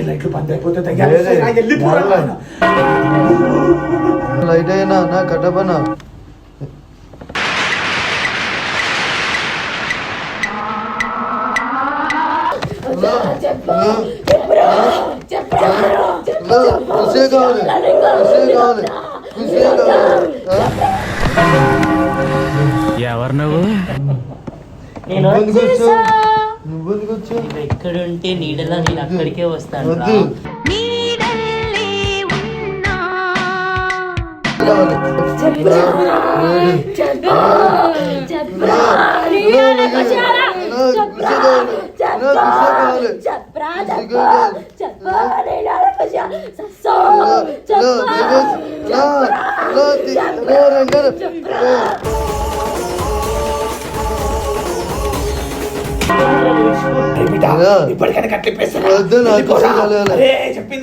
లైట్లు బంద్ అయిపోతే వెళ్ళిపోరా. లైట్ అయినా నా కట్టపనా ఎవరు నువ్వు? నువ్వు ఎక్కడుంటే నీడలా నేను అక్కడికే వస్తాను. ఇప్పటికైనా కట్లిప్పేస్తా. చెప్పింది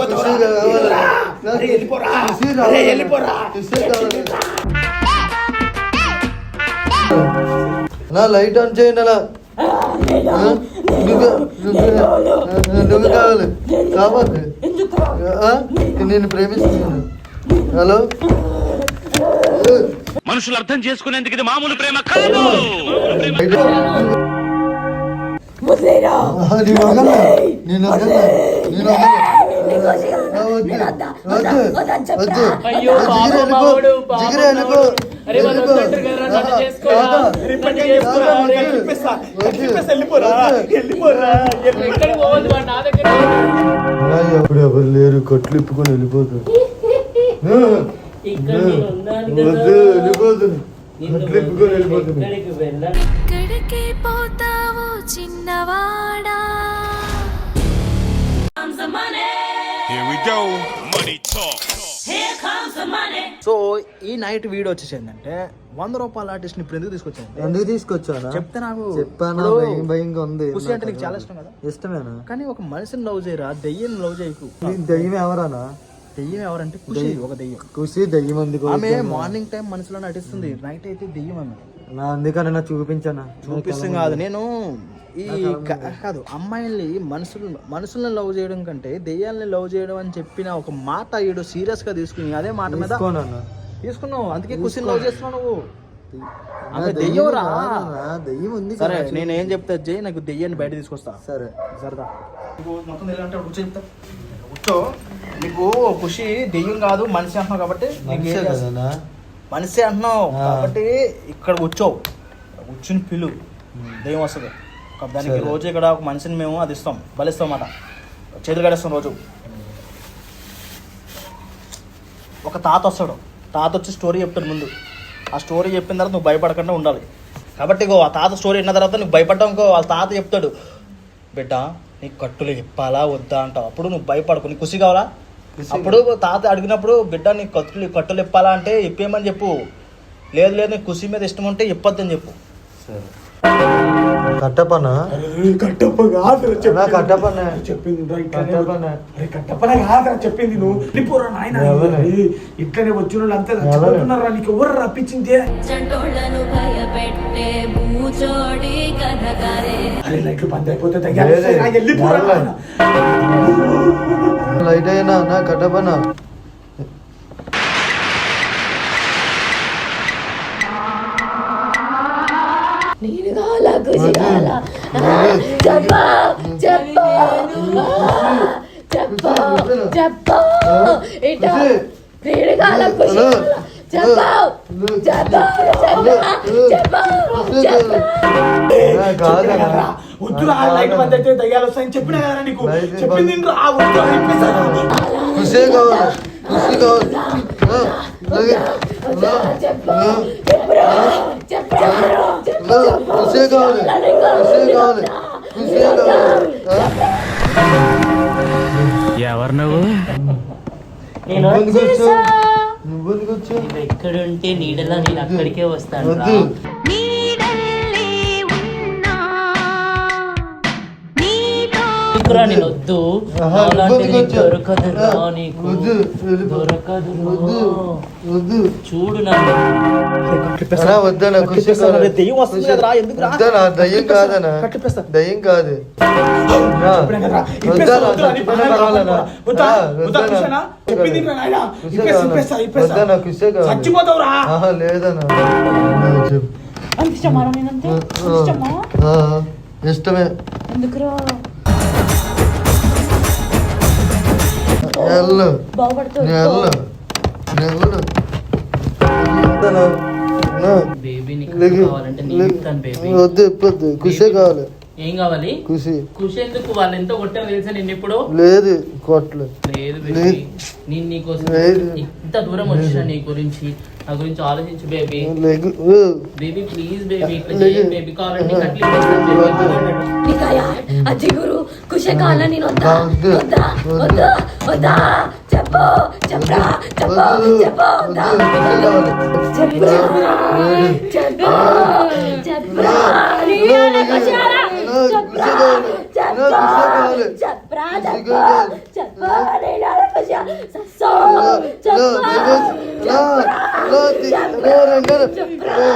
నా లైట్ ఆన్ చేయండి. అలా నువ్వు కావాలి కావాలి నేను ప్రేమిస్తున్నాను. హలో, మనుషులు అర్థం చేసుకునేందుకు ఇది మామూలు ప్రేమ కాదు. ఎప్పుడు ఎవరు లేరు, కట్లు ఇప్పుకొని వెళ్ళిపోతారు. వెళ్ళిపోతుంది, కట్లు ఇప్పుకొని వెళ్ళిపోతుంది. చిన్నవాడా సో ఈ నైట్ వీడియో వచ్చేసి ఏంటంటే 100 రూపాయల ఆర్టిస్ట్ ని ఇప్పుడు ఎందుకు తీసుకొచ్చాను చెప్తే నాకు చెప్పాను. భయంగా ఉంది. ఖుషి అంటే నీకు చాలా ఇష్టం కదా? ఇష్టమేనా? కానీ ఒక మనిషిని లవ్ చేయరా, దెయ్యం లవ్ చేయకు. దెయ్యం ఎవరానా? దెయ్యం ఎవరంటే ఖుషి, ఒక దెయ్యం. ఖుషి దెయ్యం అందుకు ఆమె మార్నింగ్ టైం మనసులో నటిస్తుంది, నైట్ అయితే దెయ్యం ఆమె. నా అందుకని నా చూపించానా? చూపిస్తుంది కాదు, నేను ఈ కాదు అమ్మాయిల్ని మనుషులను లవ్ చేయడం కంటే దెయ్యాలని లవ్ చేయడం అని చెప్పిన ఒక మాట ఈడు సీరియస్ గా తీసుకుని అదే మాట మీద తీసుకున్నావు. అందుకే ఖుషిని లవ్ చేస్తున్నావు నువ్వు. ఆమె దెయ్యం రా, దెయ్యం ఉంది. సరే నేను ఏం చెప్తా జై, నాకు దెయ్యాన్ని బయట తీసుకొస్తా. సరే సరదా మొత్తం తెలియాలంటే కూర్చో చెప్తా. కూర్చో. నీకు ఖుషి దెయ్యం కాదు మనిషి అంటున్నావు కాబట్టి మనిషి అంటున్నావు కాబట్టి ఇక్కడ కూర్చోవు. కూర్చుని పిలు, దెయ్యం వస్తుంది. దానికి రోజు ఇక్కడ ఒక మనిషిని మేము అది ఇస్తాం, బలిస్తాం అన్నమాట. చేతులు కడేస్తాం రోజు. ఒక తాత వస్తాడు, తాత వచ్చి స్టోరీ చెప్తాడు ముందు. ఆ స్టోరీ చెప్పిన తర్వాత నువ్వు భయపడకుండా ఉండాలి. కాబట్టి ఆ తాత స్టోరీ విన్న తర్వాత నువ్వు భయపడ్డావు ఇంకో వాళ్ళ తాత చెప్తాడు, బిడ్డ నీకు కట్టులు ఇప్పాలా వద్దా అంటావు. అప్పుడు నువ్వు భయపడకు, నీకు ఖుషి కావాలా? అప్పుడు తాత అడిగినప్పుడు బిడ్డ నీకు కట్టులు ఇప్పాలా అంటే ఇప్పేయమని చెప్పు. లేదు లేదు నీకు ఖుషి మీద ఇష్టం ఉంటే ఇప్పొద్దని చెప్పు. కట్టపనా? కట్టప్ప కాదురా చెప్పింది. నువ్వు వెళ్ళిపోరా నాయన. ఇట్లనే వచ్చిన వాళ్ళు అంతా చచ్చిపోతున్నారా? నీకు ఎవరు రప్పించింది? అరే లైట్లు బంద్ అయిపోతే వెళ్ళిపోరా. లైట్ అయినా నా కట్టపనా? నేను కావాలా ఖుషి కావాలా? చెప్పా చెప్పా చెప్పా చెప్పా ఇటా నేను కావాలా ఖుషి చెప్పా చెప్పా చెప్పా చెప్పా. వద్దురా, లైట్ బంద్ అయితే దయ్యాలు వస్తాయని చెప్పినా కదా నీకు. చెప్పింది ఖుషి కావాలి, ఖుషి కావాలి. ఎవరు నువ్వు? నువ్వు ఎక్కడుంటే నీడలా నేను అక్కడికే వస్తాను. ఎందుకురా నేను వద్దు ఆహా, అలాంటి ఇబ్బందిగా నీకు వచ్చా. దొరకదురా నీకు వద్దు, వెళ్ళిపో. దొరకదు వద్దు చూడు నన్ను అన్నా వద్దనా ఖుషి కట్టిపిస్తాను రే, దెయ్యం వస్తుంది కదరా, ఎందుకురా? వద్దనా దయ్యం కాదనా కట్టిపిస్తా. దయ్యం కాదు ఇప్పుడే కదరా, వద్దనా వద్దు అని చచ్చిపోయినా పర్వాలేనా వద్దా? వద్దా ఖుషేనా? చెప్పింది వినరా నాయనా? ఇప్పేస్తా. వద్దనా ఖుషే కాదు చచ్చిపోతావురా. ఆహా లేదనా చెప్పు అంత ఇష్టమా నేనంటే అంత ఇష్టమా ఆ, ఇష్టమే ఎందుకురా ఎల్లు బాగుపడుతుంది నెల్లు నెల్లు వద్దనా నా, బేబీ నీకు లేకు, కావాలంటే నేను లేకు. ఇస్తాను బేబీ వద్దు ఇప్పొద్దు ఖుషే కావాలి ఏం కావాలి ఖుషి ఖుషి ఎందుకు వాళ్ళు ఎంతో కొట్టారు తెలుసా నిన్ను ఇప్పుడు లేదు కొట్లు లేదు లేదు. బేబీ నేను నీకోసం లేదు. ఇంత దూరం వచ్చిన నీ గురించి నా గురించి ఆలోచించు baby leg baby please baby ఇట్లా లేదు. చేయి బేబీ కావాలంటే కట్లీ ఇస్తాను బేబీ. నీకయ్యా అజ్జి గురు ఖుషి కావాలా నేను వద్దా వద్దు. వద్దా వద్దా వద్దా చెప్పు చెప్పరా చెప్పు చెప్పు వద్దా చెప్పరా చెప్పు చెప్పరా నీవేనా ఖుషి కావాలా? చెప్పరా చెప్పు చెప్పరా చెప్పు చెప్పు నీవేనా ఖుషి సస్సో చెప్పు చెప్పరా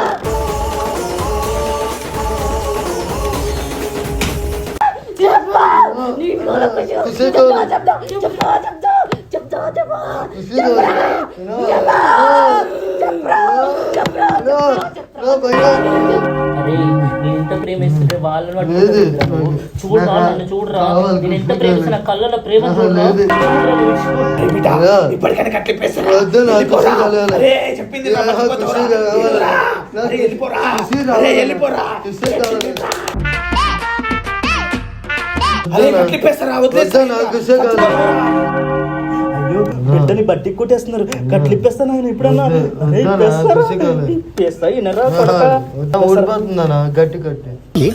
చెప్పా నీకు ఖుషి ఖుషి చెప్తా చెప్తా చెప్తా చెప్తా చెప్తా అరే నేను ఎంత ప్రేమిస్తుంటే వాళ్ళని పట్టుకుంటున్నా నువ్వు. చూడురా నన్ను చూడరా కావాలి, నేను ఎంత ఖుషి ప్రేమిస్తున్నా కళ్ళలో ప్రేమ ఆహా, చూడరా లేదు. చూడరా నువ్వు విడిచిపో. బిడ్డ, ఇప్పటికైనా కట్లిప్పేస్తారా? వద్దు నా ఖుషి కావాలి అరే చెప్పింది వినరా? ఆహా, మర్చిపోతావురా? ఖుషి కావాలి. వెళ్ళిరా. నా అరే వెళ్ళిపోరా. ఖుషి అరే కావాలి. వెళ్ళిపోరా. ఖుషి కావాలి. అరే కట్లిప్పేస్తారా? వదిలేస్తా. వద్దు నా ఖుషి కావాలి. అయ్యో బిడ్డని బట్టి కొట్టేస్తున్నారు, కట్లిప్పేస్తాను ఆయన ఇప్పుడన్నా. వద్దు, అరే, వద్దు నా ఇప్పేస్తారా? ఖుషి కావాలి. ఇప్పేస్తా, ఈయనరా కొడకా? ఓడిపోతుందనా గట్టి కట్టి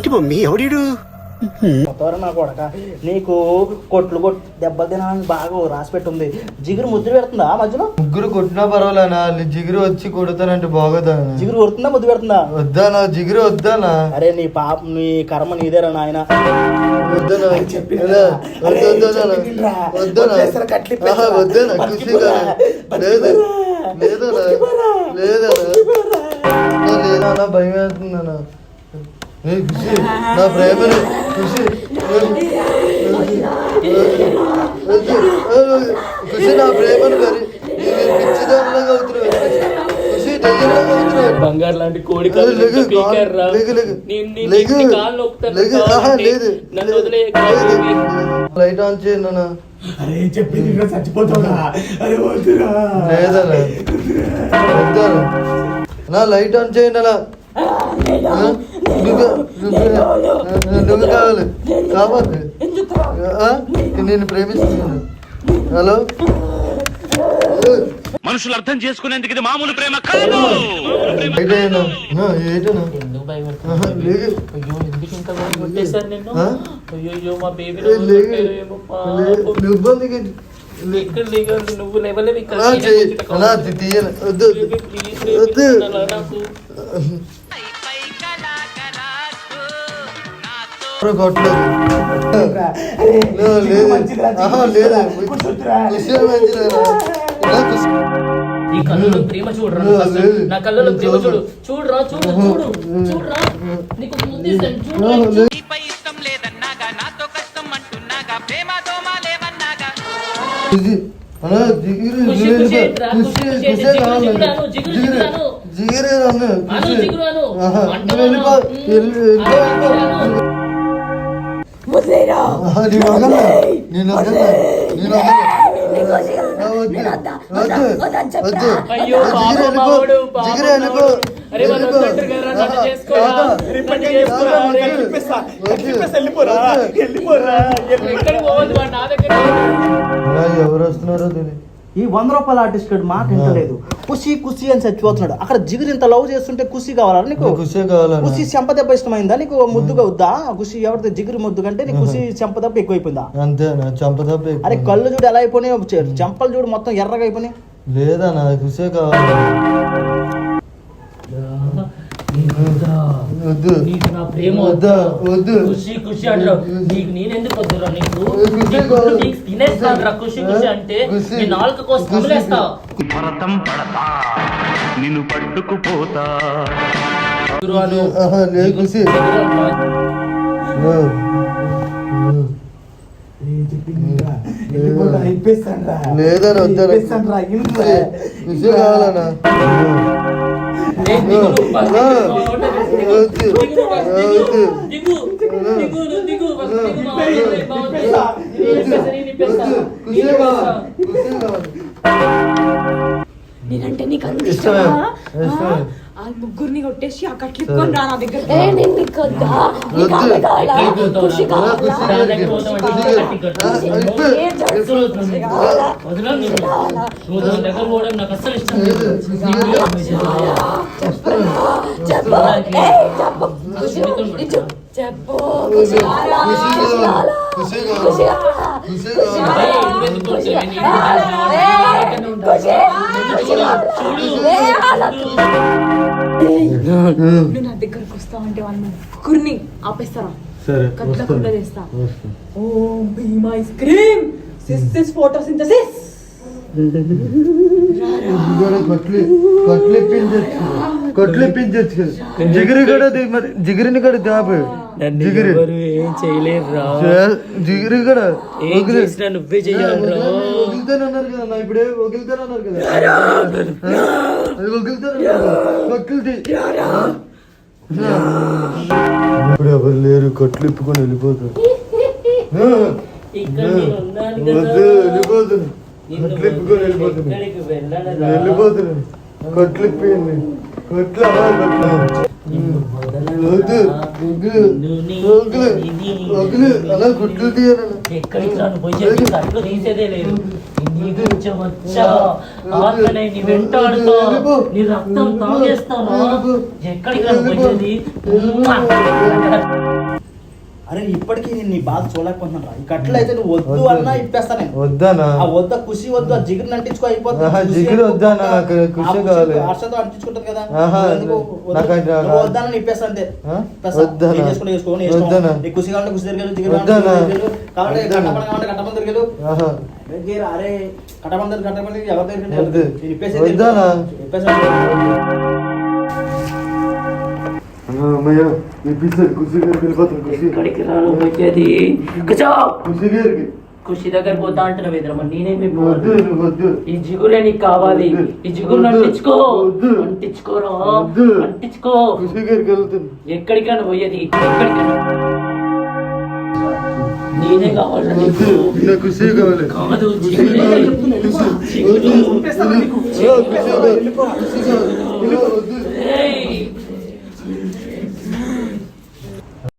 కొత్తవారా నా కొడక, నీకు కొట్లు దెబ్బలు తినాలని బాగా రాసి పెట్టుంది. జిగురు ముద్దు పెడుతుందా మధ్యలో? ముగ్గురు కొట్టినా పర్వాలేనా జిగురు వచ్చి కొడతానంటే బాగోదా జిగురు కొడుతుందా ముద్దు పెడుతుందా? వద్దానా జిగురు వద్దానా అరే నీ పాప నీ కర్మ నీదేరా నాయన. వద్దనా చెప్పినా? ఎలా? అరే, వద్దనా చెప్పిందిరా. వద్దనా వదిలేస్తారా? కట్లిప్పేస్తారా? ఆహా, వద్దనా ఖుషి బతికిపోరా. కాదు లేదు లేదనా లేదనా లేదనా భయం వేస్తుందనా ఏ ఖుషి నా ప్రేమను ఖుషి ఖుషి నా ప్రేమను మరి పిచ్చిదారులాగా అవుతున్నావు ఖుషి దయ్యంలాగా అవుతున్నావు బంగారు లాంటి కోడి లెగు, కాళ్ళు పీకారురా. లెగు, లెగు. నీ లెగు. కాళ్ళు నొక్కుతాను లెగు. ఆహా, కావాలంటే లేదు నన్ను లేదు. వదిలే లైట్ ఆన్ చేయండి అన్న అరే చెప్పింది వినరా? చచ్చిపోతావురా. అరే వద్దురా. లేదన్నా వద్దనా నా లైట్ ఆన్ చేయండి అలా నువ్వు కావాలి కావాలి నేను ప్రేమిస్తున్నాను హలో మనుషులు అర్థం చేసుకునేందుకు ఇది మామూలు ప్రేమ కాదు. ఏటైనా ఏటనా ఎందుకు భయపడుతున్నావు? ఆహా, లేదు. అయ్యో ఎందుకు ఇంత కొట్టేశారు నిన్ను? ఆ? అయ్యో మా బేబీ ఇబ్బందికి ఇక్కడ దిగాలి నువ్వు లేవలేవు ఇక్కడ అలా తీయను వద్దు వద్దు కొట్టలేదు ఆహా, లేదు విషయం మంచిదేనా? ఇలా కుస్- ఈ కళ్ళలో ప్రేమ చూడరా లేదు, అసలు. లేదు. నా కళ్ళలో ప్రేమ చూడు చూడరా చూడు చూడు చూడరా నీకు ఒక ముద్దు ఇస్తాను చూడు ఆ, లేదు. ఇది, అలా జిగిరి ఖుషి, జిగిరి ఖుషి ఏంట్రా? ఖుషి, ఖుషి, ఖుషి జిగురు, కావాలి. జిగురు అను, జిగురు, జిగిరి, జిగురు అను. జిగిరి అన్న, అను, ఖుషి. జిగురు అను. ఆహా, అంటావా నువ్వు వెళ్ళిపో, అను? వెళ్ళిపో. అను. వదిలేరా ఆహా, నేను వదలను, నేను వదలను, నేను వదలను. ఆ, వద్దు, వద్దు, వద్దు. అయ్యో ఆ, పాపం జిగిరి వెళ్ళిపో, మావాడు, పాపం జిగిరి వెళ్ళిపో, మావాడు. అరే వాళ్ళు వెళ్ళిపో. వద్దంటారు కదరా, నన్ను ఆహా, చేసుకోరా. ఆహా, నన్ను చేసుకోరా. వద్దు, కట్లిప్పేస్తా. వద్దు. కట్లిప్పేస్తా. వెళ్ళిపోరా. వెళ్ళిపోరా. ఎక్కడికి పోవద్దు వాడు నా దగ్గర ఇలా ఎవరు వస్తున్నారో తెలియదు ఈ 100 రూపాయల ఆర్టిస్ట్ గడు మాట వింటలేదు. ఖుషి ఖుషి అని చచ్చిపోతున్నాడు. అక్కడ జిగురు ఇంత లవ్ చేస్తుంటే ఖుషి కావాలా నీకు? ఖుషి కావాలన్నా ఖుషి చెంప దెబ్బ ఇష్టమైందా నీకు? ముద్దుగా వద్దా ఖుషి? ఎవరిది జిగురు ముద్దు కంటే నీకు ఖుషి చెంప దెబ్బ ఎక్కువైపోయిందా? అంతేనా చంపదప్ప అరే కళ్ళు చూడు ఎలా అయిపోయినాయి, చెంపలు చూడు మొత్తం ఎర్రగా అయిపోయినాయి. లేదా నా ఖుషే కావాలి వద్దు. నీకు నా ప్రేమ వద్దా? వద్దు. ఖుషి ఖుషి అంటారు నీకు నేనెందుకు వద్దురా నీకు ఖుషి నీకు కాదు. నీకు తినేస్తానురా ఖుషి ఖుషి అంటే ఖుషి. నీ నాలుక కోసం కుమిలేస్తా భరతం పడతా నిన్ను పట్టుకుపోతా ఆహా, లేదు ఖుషి. లేదని వద్దాను ఖుషి కావాలన్నా నేనంటే నీకు అంత ఇష్టమే. ఇష్టమా? ఇష్టమే. ఆ ముగ్గురిని కొట్టేసి ఆ కట్లిప్పుకొని రా నా దగ్గర. నేను నీకు వద్దా? నీకు వద్దు. ఆమె కావాలా? ఎక్కడికి ఖుషి కావాలా? ఖుషి ఏం జరుగుతుంది? ఖుషి కావాలా? దగ్గర పోవడం నాకు అస్సలు ఇష్టం లేదు చెప్పు. ఏయ్, చెప్పు. ఖుషి, నిజం. చెప్పు. ఖుషి కావాలా? ఖుషి ఖుషి కావాలా? ఖుషి కావాలా? ఖుషి కావాలా? ఖుషి ఖుషి కావాలా? కావాలా? ఖుషి కావాలా? ఖుషి, ఖుషి కావాలా? నువ్వు నా దగ్గరకు వస్తావంటే వాళ్ళ ముగ్గురిని ఆపేస్తారా? సరే కట్లకుండా చేస్తా. Om Bheem ice cream sis photosynthesis. కొట్లిప్పించచ్చు జిగిరి కూడా మరి జిగిరిని కూడా దాపు జిగిరి ఏం చేయలేరురా జిగిరి కూడా ఏం చేసినా నువ్వే చెయ్యాలిరా వగిలితానన్నారు కదా నా ఇప్పుడే వగిలితానన్నారు కదా అది వగిలితానన్నారు కొట్లు ఇప్పుడు ఎవరు లేరు కొట్లు ఇప్పుకొని వెళ్ళిపోతారు ఇక్కడ నేను ఉన్నాను కదా. వద్దు వెళ్ళిపోతున్నాను కొట్లు ఇప్పుకొని వెళ్ళిపోతున్నాను ఎక్కడికి వెళ్ళనురా? వెళ్ళిపోతున్నాను కొట్లు ఇప్పింది కొట్లు అలా కొట్లు వద్దు వగులు అలా గుడ్లు తీయాలన్నా ఎక్కడికి రాను పోయి కట్లు తీసేదే లేదు నీ గురించి వచ్చా ఆత్మనే నీ వెంటాడుతా నీ రక్తం తాగేస్తాను ఎక్కడికి రాను పోయేది అరే ఇప్పటికీ నేను నీ బాధ చూడలేకపోతున్నాను రా. ఈ కట్లు అయితే నువ్వు వద్దు అన్నా ఇప్పేస్తా నేను. వద్దానా ఆ వద్ద ఖుషి వద్దు, ఆ జిగురు అంటించుకో అయిపోతుంది. ఆహా, ఖుషి జిగురు వద్దానా? ఆ నాకు ఖుషి ఖుషి కావాలి. హర్షతో అంటించుకుంటుంది కదా. ఆహా, నువ్వు వద్దు. నాకు అది రాదు. నువ్వు వద్దానని ఇప్పేస్తా అంతే. ఆ? ఇప్పేస్తా. వద్దానా? ఏం చేసుకుంటే చేసుకో, నీ ఇష్టం. వద్దానా? నీకు ఖుషి కావాలంటే ఖుషి దగ్గర వెళ్ళు, జిగురు వద్దానా? కావాలంటే జిగురు దగ్గరికి వెళ్ళు. కావాలంటే వద్దానా? కట్టమని కావాలంటే కట్టమని దగ్గరికి వెళ్ళు. ఆహా, అరే కట్టమని ఎవరి దగ్గర వద్దు. నేను ఇప్పేసేది వద్దానా? ఇప్పేసా. అమ్మయ్య ఇప్పిస్తారు ఖుషి గారికి వెళ్ళిపోతాను ఖుషి ఎక్కడికి రాను పోయేది ఖుషి గారికి ఖుషి దగ్గర పోతా అంటున్నావు ఎదురమ్మ నేనేమి వద్దు నువ్వు వద్దు ఈ జిగురే నీకు కావాలి ఈ జిగురు అంటించుకో వద్దు. అంటించుకోరా వద్దు. అంటించుకో ఖుషి గారికి వెళ్తాను ఎక్కడికి రాను పోయేది ఎక్కడికి నేనే కావాలి వద్దు నాకు ఖుషి కావాలి కాదు ఖుషి జిగురే. కావాలి జిగురు. ఖుషి కావాలి ఖుషి కావాలి వద్దు ఏయ్.